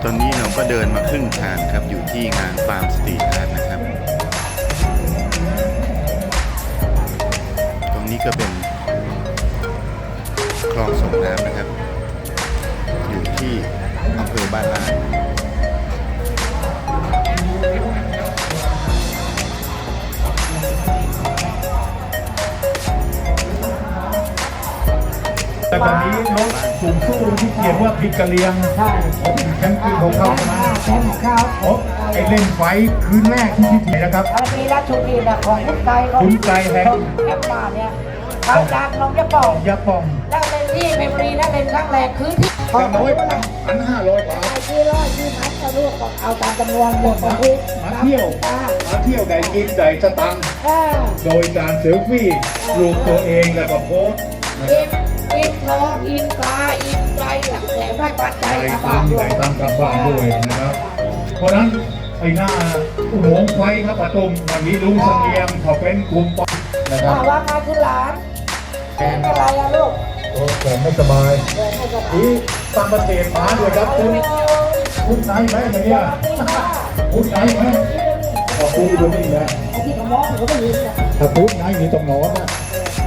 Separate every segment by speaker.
Speaker 1: อนนี้เราก็เดินมาครึ่งทางครับอยู่ที่งานฟาร์มสตรีทอาร์ตนะครับตรงนี้ก็เป็นคลองส่งน้ำนะครับอยู่ที่อำเภอบ้านลาด
Speaker 2: แต่ตอนนี้รถสูงสู้ที่เขียนว่าพิกะเลียงใช่แชมป์คืนของเขานะแชมป์ของเขาไอเล่นไฟคืนแรกที่พิธีนะครับ
Speaker 3: มีรัชชุดีนะของคุณไก่
Speaker 2: คุณไก่แห่ง
Speaker 3: แอปมาเนี่ยเขาจากน้องยาป่องแล้วเล่นที่เมมโมรีนั่นเล่นครั้งแรกคือที่
Speaker 2: ของน้อย1,500 บาท
Speaker 3: ที่ร้อยที่พันจะลูกเอาตามจำนวนหมดที่
Speaker 2: มาเที่ยวได้กินได้สตังค์โดยการเซลฟี่รูปตัวเองแล้วก็โพส
Speaker 3: อินทองอินปลาอินใจหลักแสนได้ปัจจัย
Speaker 2: ตั้งกับบ้านด้วยนะครับเพราะนั้นไอ้หน้าอุโมงค์ไฟครับปฐุมวันนี้ลุงเสงี่ยมเขาเป็นกลุ่ม
Speaker 3: นะครับว่าไงคุณหลานเป็นอะไรอะลูก
Speaker 2: แต่ไม่สบายที่ต่างประเทศมาด้วยครับคุณไหนไหมเนี่ยคุณไหนไหมขอบคุณด้วยนี่นะถ้าคุณไหนมีตรงนอนนะ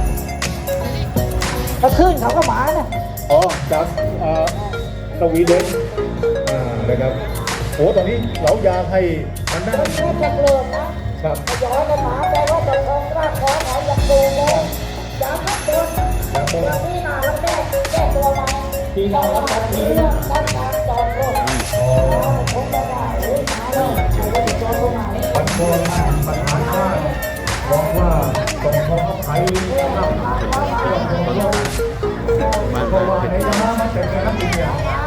Speaker 3: ก็ขึ้นเขาก็มาเนี่ย
Speaker 2: อ๋อจากสวีเดนนะครับโอ้ตอนนี้เราอยากให้มันได้
Speaker 3: ไม่จะเลิกนะครับย้อนกันมาแต่ว่าจะคงรากคอเขาอยากดูเลยอยากให้โดนอย่างนี้นาแล้วแก้ตัวมา
Speaker 2: ที่น่ารักแบบนี้
Speaker 3: ตั้งการจอดรถคงจะได้หรือหาเลยใครจะจอดตรงไหน
Speaker 2: ปัญหาบอกว่าต้องขออภัยนะครับเพราะว่าในยามมันเป็นการที่เนี่ย